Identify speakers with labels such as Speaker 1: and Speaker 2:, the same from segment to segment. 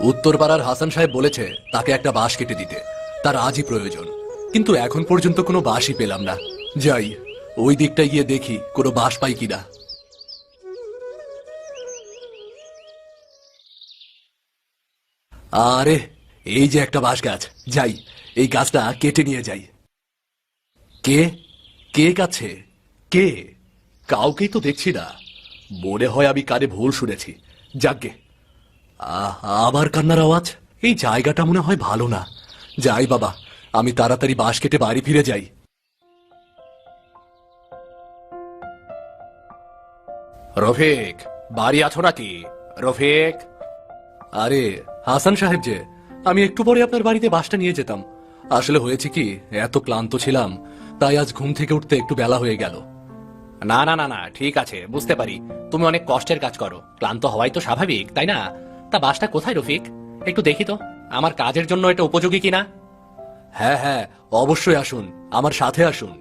Speaker 1: উত্তরপাড়ার হাসান সাহেব বলেছে তাকে একটা বাঁশ কেটে দিতে, তার আজই প্রয়োজন। কিন্তু এখন পর্যন্ত কোনো বাঁশই পেলাম না। যাই ওই দিকটা গিয়ে দেখি কোনো বাঁশ পাই কিনা। আরে এই যে একটা বাঁশ গাছ, যাই এই গাছটা কেটে নিয়ে যাই। কে কে কাছে কে? কাউকেই তো দেখছি না। মনে হয় আমি কানে ভুল শুনেছি। যাকগে, আবার কান্নার আওয়াজ। এই জায়গাটা মনে হয় ভালো না। যাই বাবা, আমি তাড়াতাড়ি বাঁশ কেটে বাড়ি ফিরে যাই। রফিক, বাড়ি আছো নাকি? রফিক। আরে হাসান সাহেব যে, আমি একটু পরে আপনার বাড়িতে বাসটা নিয়ে যেতাম। আসলে হয়েছে কি, এত ক্লান্ত ছিলাম তাই আজ ঘুম থেকে উঠতে একটু বেলা হয়ে গেল।
Speaker 2: না না না না, ঠিক আছে, বুঝতে পারি তুমি অনেক কষ্টের কাজ করো, ক্লান্ত হওয়াই তো স্বাভাবিক, তাই না? তা বাসটা কোথায় রফিক? একটু দেখি তো আমার কাজের জন্য এটা উপযোগী কিনা।
Speaker 1: হ্যাঁ হ্যাঁ, অবশ্যই আসুন, আমার সাথে আসুন।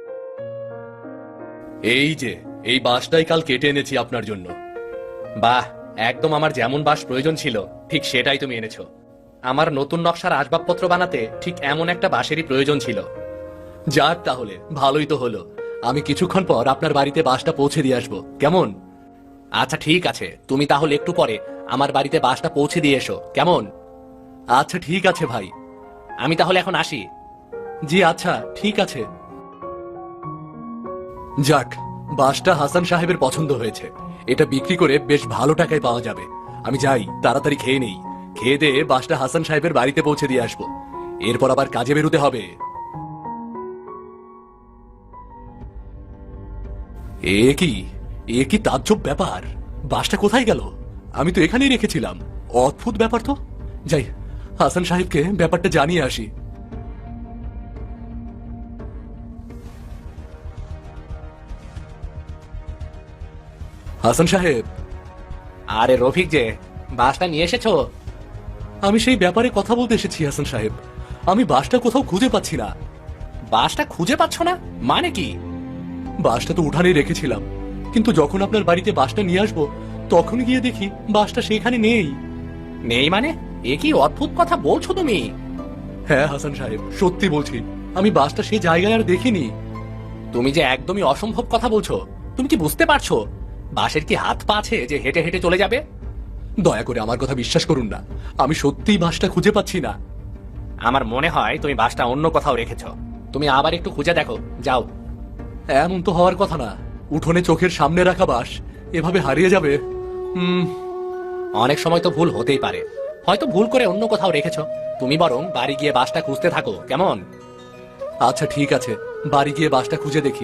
Speaker 1: এই যে এই বাঁশটাই কাল কেটে এনেছি আপনার জন্য।
Speaker 2: বাহ, একদম আমার যেমন বাস প্রয়োজন ছিল ঠিক সেটাই তুমি এনেছো। আমার নতুন নকশার আসবাবপত্র বানাতে ঠিক এমন একটা বাঁশেরই প্রয়োজন ছিল।
Speaker 1: যাক তাহলে ভালোই তো হলো। আমি কিছুক্ষণ পর আপনার বাড়িতে বাসটা পৌঁছে দিয়ে আসবো, কেমন?
Speaker 2: আচ্ছা ঠিক আছে, তুমি তাহলে একটু পরে আমার বাড়িতে বাসটা পৌঁছে দিয়ে এসো, কেমন?
Speaker 1: আচ্ছা ঠিক আছে ভাই।
Speaker 2: আমি তাহলে এখন আসি।
Speaker 1: জি আচ্ছা ঠিক আছে। যাক, বাসটা হাসান সাহেবের পছন্দ হয়েছে। এটা বিক্রি করে বেশ ভালো টাকায় পাওয়া যাবে। আমি যাই, তাড়াতাড়ি খেয়ে নেই। খেয়ে দিয়ে বাসটা হাসান সাহেবের বাড়িতে পৌঁছে দিয়ে আসবো। এরপর আবার কাজে বেরোতে হবে। এ কি এ কি তাজ্জব ব্যাপার! বাসটা কোথায় গেল? আমি তো এখানেই রেখেছিলাম। অদ্ভুত ব্যাপার তো। যাই, হাসান সাহেবকে ব্যাপারটা জানিয়ে আসি। হাসান সাহেব।
Speaker 2: আরে রফিক যে, বাসটা নিয়ে এসেছো?
Speaker 1: আমি সেই ব্যাপারে কথা বলতে এসেছি হাসান সাহেব। আমি বাসটা কোথাও খুঁজে পাচ্ছি না।
Speaker 2: বাসটা খুঁজে পাচ্ছ না মানে কি?
Speaker 1: বাসটা তো উঠানেই রেখেছিলাম, কিন্তু যখন আপনার বাড়িতে বাসটা নিয়ে আসবো তখন গিয়ে দেখি বাসটা সেখানে নেই।
Speaker 2: নেই মানে? এ কি অদ্ভুত কথা বলছো তুমি!
Speaker 1: হ্যাঁ হাসান সাহেব, সত্যি বলছি, আমি বাসটা সেই জায়গায় আর দেখিনি।
Speaker 2: তুমি যে একদমই অসম্ভব কথা বলছো। তুমি কি বুঝতে পারছো বাসের কি হাত পা আছে যে হেঁটে হেঁটে চলে যাবে?
Speaker 1: দয়া করে আমার কথা বিশ্বাস করুন না, আমি সত্যিই বাসটা খুঁজে পাচ্ছি না।
Speaker 2: আমার মনে হয় তুমি বাসটা অন্য কোথাও রেখেছো। তুমি আবার একটু খুঁজে দেখো, যাও।
Speaker 1: এমন তো হওয়ার কথা না। উঠোনে চোখের সামনে রাখা বাস এভাবে হারিয়ে যাবে?
Speaker 2: অনেক সময় তো ভুল হতেই পারে, হয়তো ভুল করে অন্য কোথাও রেখেছো। তুমি বরং বাড়ি গিয়ে বাসটা খুঁজতে থাকো, কেমন?
Speaker 1: আচ্ছা ঠিক আছে, বাড়ি গিয়ে বাসটা খুঁজে দেখি।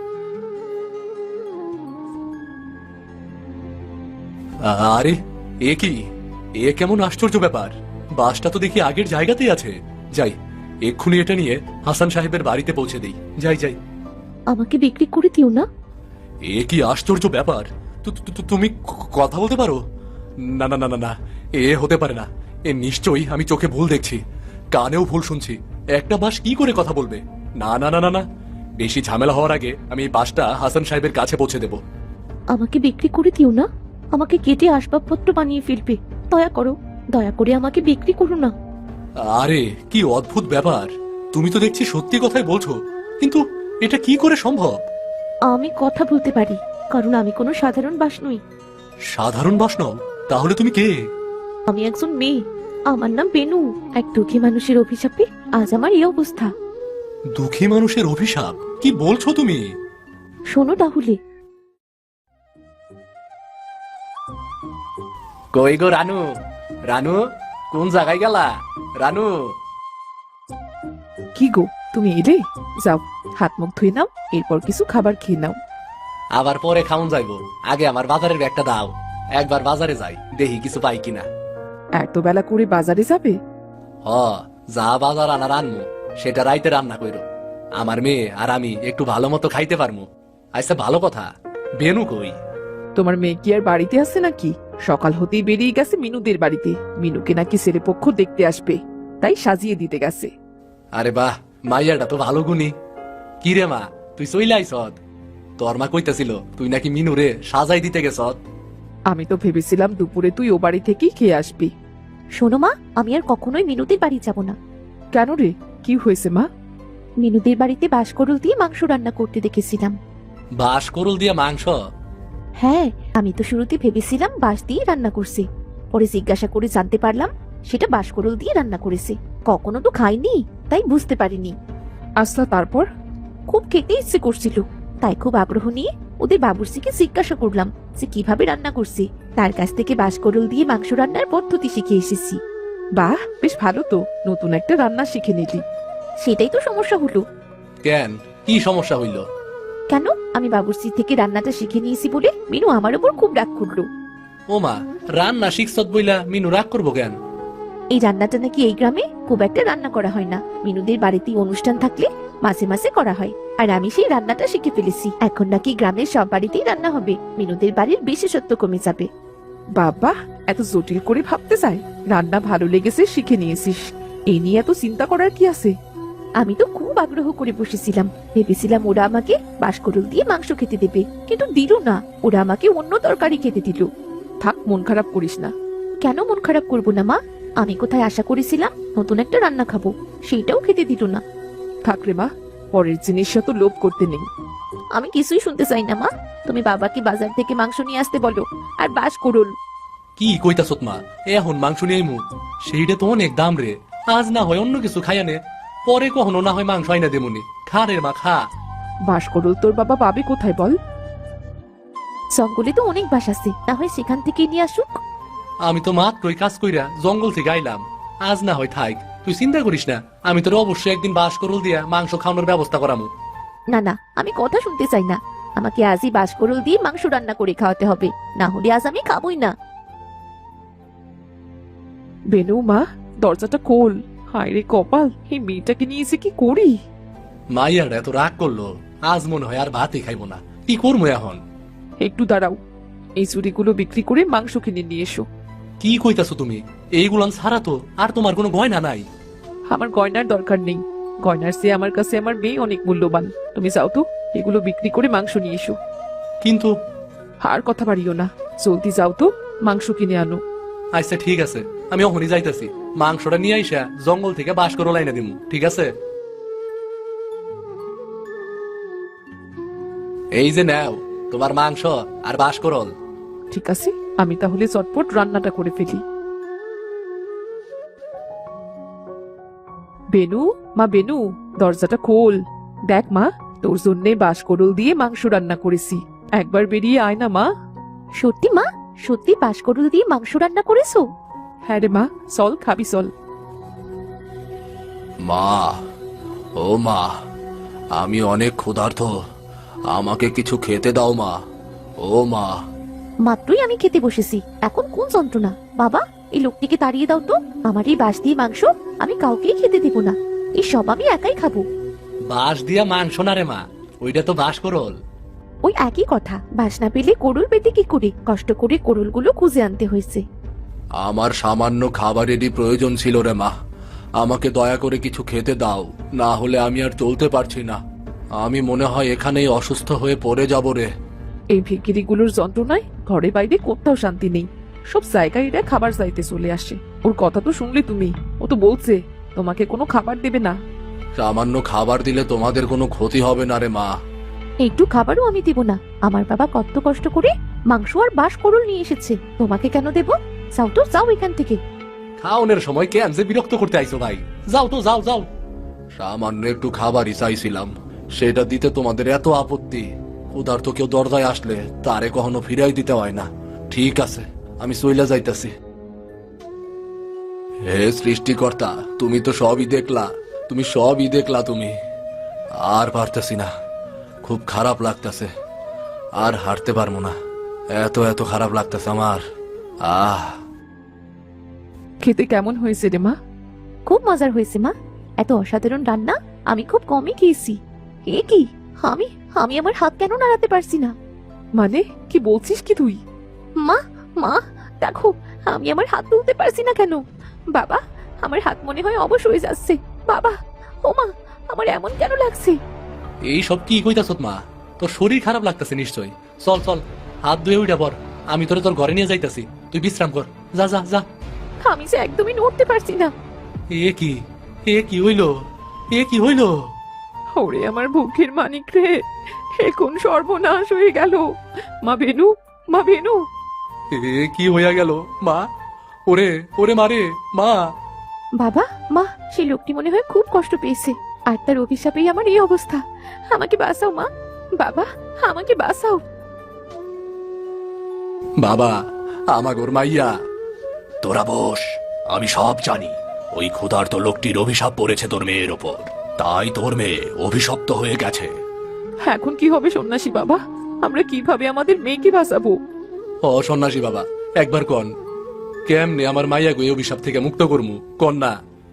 Speaker 1: আরে এ কি, এ কেমন আশ্চর্য ব্যাপার! বাসটা তো দেখি আগের জায়গাতেই আছে। যাই, এক্ষুনি এটা নিয়ে হাসান সাহেবের বাড়িতে পৌঁছে দেই। যাই যাই।
Speaker 3: আমাকে বিক্রি করে দিও না।
Speaker 1: এ কি আশ্চর্য ব্যাপার! তুমি কথা বলতে পারো? না না না না না, এ হতে পারে না। এ নিশ্চয়ই আমি চোখে ভুল দেখছি, কানেও ভুল শুনছি। একটা বাস কি করে কথা বলবে? না না না না না, বেশি ঝামেলা হওয়ার আগে আমি এই বাসটা হাসান সাহেবের কাছে পৌঁছে দেব।
Speaker 3: আমাকে বিক্রি করে দিও না। আমাকে কেটে আসবাবপত্র বানিয়ে ফেলবে। দয়া করো, দয়া করে আমাকে বিক্রি করো না।
Speaker 1: আরে কি অদ্ভুত ব্যাপার! তুমি তো দেখছি সত্যি কথাই বলছো, কিন্তু এটা কি করে সম্ভব?
Speaker 3: আমি কথা বলতে পারি, কারণ আমি কোনো সাধারণ বাস নই।
Speaker 1: সাধারণ বাস নও? তাহলে তুমি কে?
Speaker 3: আমি একজন মেয়ে। আমার নাম বেনু। এক দুঃখী মানুষের অভিশাপে আজ আমার এই অবস্থা।
Speaker 1: দুঃখী মানুষের অভিশাপ? কি বলছো তুমি?
Speaker 3: শোনো তাহলে।
Speaker 2: কই গো রানু, রানু, কোন জায়গায় গেলা? রানু।
Speaker 4: কি গো, তুমি এলে? যাও, হাত মুখ ধুয়ে নাও, এরপর কিছু খাবার খেয়ে নাও।
Speaker 2: আবার পরে খাউন যাইবো, আগে আমার বাজারের ব্যাগটা দাও। একবার বাজারে যাই, দেখি কিছু পাই কিনা।
Speaker 4: এত বেলা করে বাজারে যাবে?
Speaker 2: হ, যা বাজার আনার আনমু সেটা রাইতে রান্না কইরো। আমার মেয়ে আর আমি একটু ভালো মতো খাইতে পারমু। আচ্ছা ভালো কথা, বেনু কই?
Speaker 4: তোমার মেয়ে কি আর বাড়িতে আছে নাকি? সকাল হতেই বেরিয়ে গেছে মিনুদের বাড়িতে। মিনুকে নাকি ছেলেপক্ষ দেখতে আসবে, তাই সাজিয়ে দিতে গেছে।
Speaker 2: আরে বাহ, মাইয়াটা তো ভালো গুণী। কি রে মা, তুই চইলে আইছত? তোর মা কইতাছিল তুই নাকি মিনুরে সাজাই দিতে গেছত।
Speaker 4: আমি তো ভেবেছিলাম দুপুরে তুই ও বাড়ি থেকেই খেয়ে আসবি।
Speaker 3: শোনো মা, আমি আর কখনোই মিনুদের বাড়ি যাব না।
Speaker 4: কেন রে, কি হয়েছে মা?
Speaker 3: মিনুদের বাড়িতে বাঁশকরুল দিয়ে মাংস রান্না করতে দেখেছিলাম।
Speaker 2: বাঁশকরুল দিয়ে মাংস?
Speaker 3: হ্যাঁ, আমি তো শুরুতে ভেবেছিলাম বাঁশ দিয়ে রান্না করছে, পরে জিজ্ঞাসা করে জানতে পারলাম সেটা বাঁশকরুল দিয়ে রান্না করেছে। কখনো তো খাইনি, তাই বুঝতে পারিনি।
Speaker 4: আচ্ছা, তারপর?
Speaker 3: খুব খেতে ইচ্ছে করছিল, তাই খুব আগ্রহ নিয়ে ওদের বাবুর্চিকে জিজ্ঞাসা করলাম যে কিভাবে রান্না করছে। তার কাছ থেকে বাঁশকরুল দিয়ে মাংস রান্নার পদ্ধতি শিখে এসেছি।
Speaker 4: বাহ, বেশ ভালো তো, নতুন একটা রান্না শিখে নিলি।
Speaker 3: সেটাই তো সমস্যা হলো।
Speaker 2: কেন, কি সমস্যা হইল?
Speaker 3: কেন, আমি বাবুর্চি থেকে রান্নাটা শিখে নিয়েছি বলে মিনু আমার উপর খুব রাগ করলো।
Speaker 2: ওমা, রান্না শিখছত বইলা মিনু রাগ করবো কেন?
Speaker 3: এই রান্নাটা নাকি এই গ্রামে খুব একটা রান্না করা হয় না। মিনুদের বাড়িতে অনুষ্ঠান থাকলে মাঝে মাঝে করা হয়, আর আমি সেই রান্নাটা শিখে ফেলেছি। এখন নাকি গ্রামের সব বাড়িতেই রান্না হবে, মিনুদের বাড়ির বিশেষত্ব কমে যাবে।
Speaker 4: বাবা, এত জটিল করে ভাবতে চাই? রান্না ভালো লেগেছে, শিখে নিয়েছিস, এই নিয়ে এত চিন্তা করার কি আছে?
Speaker 3: আমি তো খুব আগ্রহ করে বসেছিলাম, ভেবেছিলাম ওরা আমাকে বাঁশকরুল দিয়ে মাংস খেতে দেবে, কিন্তু দিল না। ওরা আমাকে অন্য তরকারি খেতে দিল।
Speaker 4: থাক, মন খারাপ করিস না।
Speaker 3: কেন মন খারাপ করবো না মা? আমি কোথায় আশা করেছিলাম নতুন একটা রান্না খাবো, সেইটাও খেতে দিল না।
Speaker 4: থাক রে মা, পরের জিনিস তো লোভ করতে নেই।
Speaker 3: আমি কিছুই শুনতে চাই না মা, তুমি বাবাকে বাজার থেকে মাংস নিয়ে আসতে বলো, আর বাঁশকরুল।
Speaker 2: কি কইতাছত মা? এখন মাংস নিয়ে মু, সেইটা তো অনেক দাম রে। আজ না হয় অন্য কিছু খাইয়া নে, পরে কখনো না হয় মাংস আইনা দেমুনি। খা রে মা, খা।
Speaker 4: বাঁশকরুল তোর বাবা পাবে কোথায় বল?
Speaker 3: জঙ্গলে তো অনেক বাস আছে, না হয় সেখান থেকে নিয়ে আসুক।
Speaker 2: আমি তো মাত্রই কাজ কইরা জঙ্গল থেকে আইলাম, আজ না হয় থাক, তুই চিন্তা করিস না। আমি তোর অবশ্যই একদিন বাঁশকরুল দিয়া মাংস খাওয়ানোর ব্যবস্থা করামু।
Speaker 3: না না, আমি কথা শুনতে চাই না, আমাকে আজই বাঁশকরুল দিয়ে মাংস রান্না করে খাওয়াতে হবে, না হলে আজ আমি খাবোই না।
Speaker 4: বেনু মা, দরজাটা খোল। হায় রে কপাল, এই মেয়েটাকে নিয়েছে কি করি?
Speaker 2: মাইয়ার এত রাগ করলো, আজ মনে হয় আর ভাতই খাইবো না। কি করবো এখন?
Speaker 4: একটু দাঁড়াও, এই চুরিগুলো বিক্রি করে মাংস কিনে নিয়ে এসো।
Speaker 2: কি কইতাছো তুমি? এইগুলান ছাড়া তো আর তোমার কোনো গয়না নাই।
Speaker 4: আমার গয়নার দরকার নেই, গয়নার চেয়ে আমার কাছে আমার মেয়ে অনেক মূল্যবান। তুমি যাও তো, এগুলো বিক্রি করে মাংস নিয়ে এসো।
Speaker 2: কিন্তু
Speaker 4: আর কথা বাড়িও না, জলদি যাও তো, মাংস কিনে আনো।
Speaker 2: আচ্ছা ঠিক আছে, আমি অহনি যাইতাছি। মাংসটা নিয়ে আইসা জঙ্গল থেকে বাঁশকরুল আইনা দিমু, ঠিক আছে? এই যে নাও তোমার মাংস আর বাঁশকরুল।
Speaker 4: ঠিক আছে, আমি তাহলে চটপট রান্নাটা করে ফেলি। বেনু, মা বেনু, দরজাটা খোল। দেখ মা, তোর জন্যে বাঁশকরুল দিয়ে মাংস রান্না করেছি, একবার বেরিয়ে আয় না মা।
Speaker 3: সত্যি মা? সত্যি বাঁশকরুল দিয়ে মাংস রান্না করেছো?
Speaker 4: হ্যাঁ রে মা, চল খাবি চল।
Speaker 1: মা, ও মা, আমি অনেক ক্ষুধার্ত, আমাকে কিছু খেতে দাও মা। ও মা।
Speaker 3: মাত্রই আমি খেতে বসেছি, এখন কোন যন্ত্রণা? বাবা, এই লোকটিকে তাড়িয়ে দাও তো, আমার এই বাঁশ দিয়ে মাংস আমি কাউকেই খেতে দেব না, এই সব আমি একাই খাবো।
Speaker 2: বাঁশ দিয়া মাংস না রে মা, ওইটা তো বাঁশকরুল।
Speaker 3: ওই একই কথা, বাঁশ না পেলে করুল পেতে কি করে? কষ্ট করে করুলগুলো খুঁজে আনতে হয়েছে।
Speaker 1: আমার সামান্য খাবারেরই প্রয়োজন ছিল রে মা, আমাকে দয়া করে কিছু খেতে দাও, না হলে আমি আর চলতে পারছি না। আমি মনে হয় এখানেই অসুস্থ হয়ে পড়ে যাব রে।
Speaker 4: এই ভিখিরিগুলোর যন্ত্রণায় ঘরে বাইরে কোথাও শান্তি নেই, সব জায়গায় এরা খাবার চাইতে চলে আসে। ওর কথা তো শুনলে তুমি, ও তো বলছে তোমাকে কোনো খাবার দেবে না।
Speaker 1: সামান্য খাবার দিলে তোমাদের কোনো ক্ষতি হবে না রে মা।
Speaker 3: একটু খাবারও আমি দেব না, আমার বাবা কত কষ্ট করে মাংস আর বাঁশকরুল নিয়ে এসেছে, তোমাকে কেন দেব? যাও তো, যাও এখান থেকে।
Speaker 2: খাওনের সময় কেন যে বিরক্ত করতে আইছো ভাই? যাও তো, যাও যাও।
Speaker 1: সামান্য একটু খাবারই চাইছিলাম, সেটা দিতে তোমাদের এত আপত্তি? ক্ষুধার্ত কেউ দরজায় আসলে তারে কখনো ফিরাই দিতে হয় না। ঠিক আছে, আমি চইলা যাইতাছি। হে সৃষ্টিকর্তা, তুমি তো সবই দেখলা, তুমি সবই দেখলা। তুমি আর পারতেছি না, খুব খারাপ লাগতেছে, আর হাঁটতে পারবো না, এত এত খারাপ লাগতেছে আমার।
Speaker 4: খেতে কেমন হয়েছে রে মা?
Speaker 3: খুব মজার হয়েছে মা, এত অসাধারণ রান্না আমি খুব কমই খেয়েছি। এ কি, আমি আমি আমার হাত কেন নাড়াতে পারছি না?
Speaker 4: মানে কি বলছিস কি তুই?
Speaker 3: মা, মা দেখো, আমি আমার হাত তুলতে পারছি না কেন? বাবা, আমার হাত মনে হয় অবশ হয়ে যাচ্ছে। বাবা, ও মা, আমার এমন কেন লাগছে?
Speaker 2: এই সব কি কইতাছত মা? তোর শরীর খারাপ লাগতেছে নিশ্চয়। চল চল, হাত ধুয়ে উঠা পর, আমি তোরে তোর ঘরে নিয়ে যাইতাছি, তুই বিশ্রাম কর। যা যা যা।
Speaker 3: আমি যে একদমই নড়তে পারছি না।
Speaker 1: এ কি, এ কি হইল, এ কি হইল?
Speaker 4: ওরে আমার বুকের মানিক রে, এখন সর্বনাশ হয়ে গেল। মা বেনু, মা বেনু।
Speaker 1: এ কি হইয়া গেল মা? ওরে ওরে মারে মা!
Speaker 3: বাবা, মা, সেই লোকটি মনে হয় খুব কষ্ট পেয়েছে, আর তার অভিশাপেই আমার এই অবস্থা। আমাকে বাঁচাও মা, বাবা, আমাকে বাঁচাও।
Speaker 1: বাবা, আমাগোর মাইয়া। তোরা বস, আমি সব জানি। ওই ক্ষুধার্ত লোকটির অভিশাপ পড়েছে তোর মেয়ের ওপর, তাই তোর মেয়ে অভিশপ্ত হয়ে গেছে।
Speaker 4: এখন কি হবে সন্ন্যাসী বাবা? আমরা কিভাবে আমাদের মেয়েকে বাঁচাবো?
Speaker 1: ও সন্ন্যাসী বাবা, একবার কন, কেমনে আমার মাইয়া গো এই অভিশাপ থেকে মুক্ত করমু, কন না।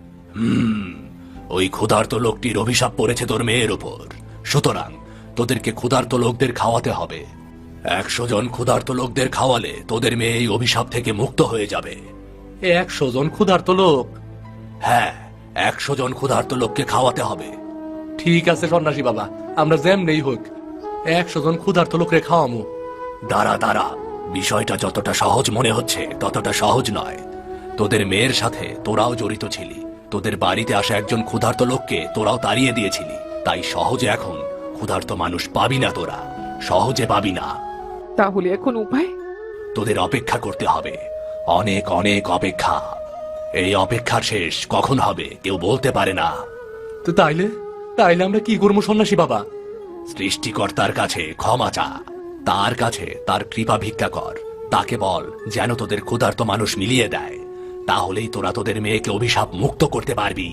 Speaker 1: ওই ক্ষুধার্ত লোকটির অভিশাপ পড়েছে তোর মেয়ের ওপর, সুতরাং তোদেরকে ক্ষুধার্ত লোকদের খাওয়াতে হবে। 100 জন ক্ষুধার্ত লোকদের খাওয়ালে তোদের মেয়ে এই অভিশাপ থেকে মুক্ত হয়ে যাবে। 100 জন ক্ষুধার্ত লোক? হ্যাঁ, 100 জন ক্ষুধার্ত লোককে খাওয়াতে হবে। ঠিক আছে সন্ন্যাসী বাবা, আমরা যেমনেই হোক 100 জন ক্ষুধার্ত লোকরে খাওয়ামু। দাঁড়া দাঁড়া, বিষয়টা যতটা সহজ মনে হচ্ছে ততটা সহজ নয়। তোদের মেয়ের সাথে তোরাও জড়িত ছিলি, তোদের বাড়িতে আসা একজন ক্ষুধার্ত লোককে তোরাও তাড়িয়ে দিয়েছিলি, তাই সহজে এখন ক্ষুধার্ত মানুষ পাবি না, তোরা সহজে পাবি না।
Speaker 4: তাহলে এখন উপায়?
Speaker 1: তোদের অপেক্ষা করতে হবে, অনেক অনেক অপেক্ষা। এই অপেক্ষার শেষ কখন হবে কেউ বলতে পারে না। তো তাইলে তাইলে আমরা কি করবো সন্ন্যাসী বাবা? সৃষ্টিকর্তার কাছে ক্ষমা চা, তার কাছে তার কৃপা ভিক্ষা কর, তাকে বল যেন তোদের ক্ষুধার্ত মানুষ মিলিয়ে দেয়, তাহলেই তোরা তোদের মেয়েকে অভিশাপ মুক্ত করতে পারবি।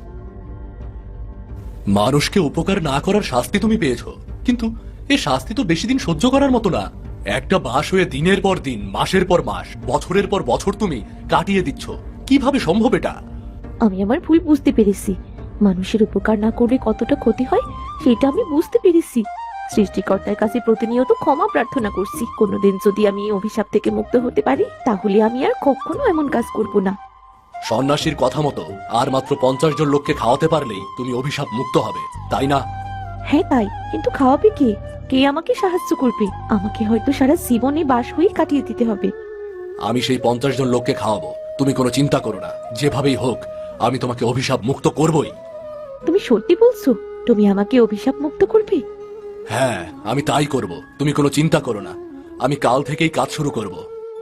Speaker 1: মানুষকে উপকার না করার শাস্তি তুমি পেয়েছো, কিন্তু এ শাস্তি তো বেশি দিন সহ্য করার মতো না। একটা বাস হয়ে দিনের পর দিন, মাসের পর মাস, বছরের পর বছর তুমি কাটিয়ে দিচ্ছ, কিভাবে সম্ভব এটা?
Speaker 3: আমি আমার ভুল বুঝতে পেরেছি। মানুষের উপকার না করলে কতটা ক্ষতি হয় সেটা আমি বুঝতে পেরেছি। সৃষ্টিকর্তার কাছে প্রতিনিয়ত ক্ষমা প্রার্থনা করছি। কোনোদিন যদি আমি এই অভিশাপ থেকে মুক্ত হতে পারি, তাহলে আমি আর কখনো এমন কাজ করব না।
Speaker 1: সন্ন্যাসীর কথা মতো আর মাত্র 50 জন লোককে খাওয়াতে পারলেই তুমি অভিশাপ মুক্ত হবে, তাই না?
Speaker 3: হ্যাঁ তাই, কিন্তু খাওয়াবে কে? কে আমাকে সাহায্য করবে? আমাকে হয়তো সারা জীবনে বাস হয়ে কাটিয়ে দিতে হবে।
Speaker 1: আমি সেই 50 জন লোককে খাওয়াবো, তুমি কোনো চিন্তা করো না। যেভাবেই হোক আমি তোমাকে অভিশাপ মুক্ত করবই।
Speaker 3: তুমি সত্যি বলছো? তুমি আমাকে অভিশাপ মুক্ত করবে?
Speaker 1: হ্যাঁ, আমি তাই করব, তুমি কোনো চিন্তা করো না। আমি কাল থেকেই কাজ শুরু করব।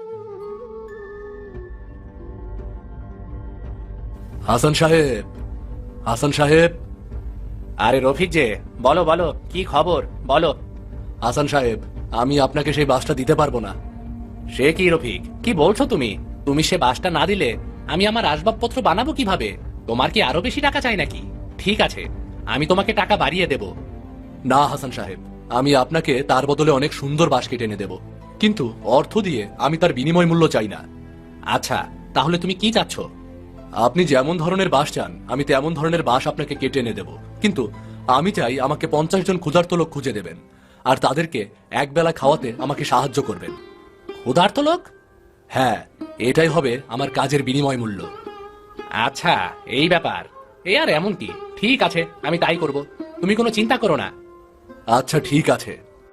Speaker 1: হাসান সাহেব, হাসান সাহেব।
Speaker 2: আরে রফিক যে, বলো বলো, কি খবর বলো।
Speaker 1: হাসান সাহেব, আমি আপনাকে সেই বাসটা দিতে পারবো না।
Speaker 2: সে কি রফিক, কি বলছো তুমি? তুমি সে বাসটা না দিলে আমি আমার আসবাবপত্র বানাবো কিভাবে? তোমার কি আরো বেশি টাকা চাই নাকি? ঠিক আছে, আমি তোমাকে টাকা বাড়িয়ে দেব।
Speaker 1: না হাসান সাহেব, আমি আপনাকে তার বদলে অনেক সুন্দর বাস কেটে এনে দেব, কিন্তু অর্থ দিয়ে আমি তার বিনিময় মূল্য চাই না।
Speaker 2: আচ্ছা, তাহলে তুমি কি চাচ্ছ?
Speaker 1: আপনি যেমন ধরনের বাস চান আমি তেমন ধরনের বাস আপনাকে কেটে এনে দেব, কিন্তু আমি চাই আমাকে 50 জন ক্ষুধার্ত লোক খুঁজে দেবেন, আর তাদেরকে একবেলা খাওয়াতে আমাকে সাহায্য করবেন।
Speaker 2: ক্ষুধার্ত লোক?
Speaker 1: হ্যাঁ, এটাই হবে আমার কাজের বিনিময় মূল্য।
Speaker 2: আচ্ছা, এই ব্যাপার। এ আর এমন কি, ঠিক আছে, আমি তাই করব, তুমি কোনো চিন্তা করো না।
Speaker 1: আচ্ছা ঠিক আছে।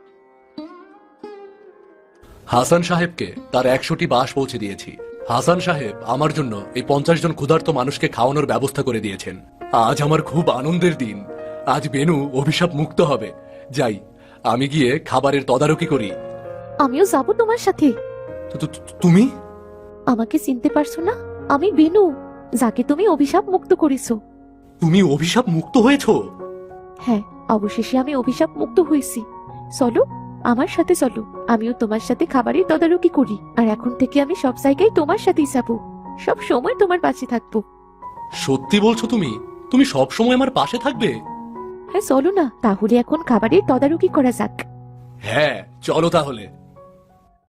Speaker 1: হাসান সাহেবকে তার 100টি বাস পৌঁছে দিয়েছি। হাসান সাহেব আমার জন্য এই 50 জন ক্ষুধার্ত মানুষকে খাওয়ানোর ব্যবস্থা করে দিয়েছেন। আজ আমার খুব আনন্দের দিন। আজ বেনু অভিশাপ মুক্ত হবে। যাই, আমি গিয়ে খাবারের তদারকি করি।
Speaker 3: আমিও যাব তোমার সাথে।
Speaker 1: তুমি?
Speaker 3: আমাকে চিনতে পারছো না? আমি বেনু, যাকে তুমি অভিশাপ মুক্ত করেছো।
Speaker 1: তুমি অভিশাপ মুক্ত হয়েছো?
Speaker 3: হ্যাঁ, অবশেষে আমি অভিশাপ মুক্ত হয়েছি। চলো, আমার সাথে চলো, আমিও তোমার সাথে খাবারের তদারকি করি, আর এখন থেকে আমি সব জায়গায় তোমার সাথেই যাবো, সব সময় তোমার পাশে থাকবো।
Speaker 1: সত্যি বলছো তুমি? তুমি সব সময় আমার পাশে থাকবে?
Speaker 3: হ্যাঁ চলো না, তাহলে এখন খাবারের তদারকি করা যাক।
Speaker 1: হ্যাঁ চলো তাহলে।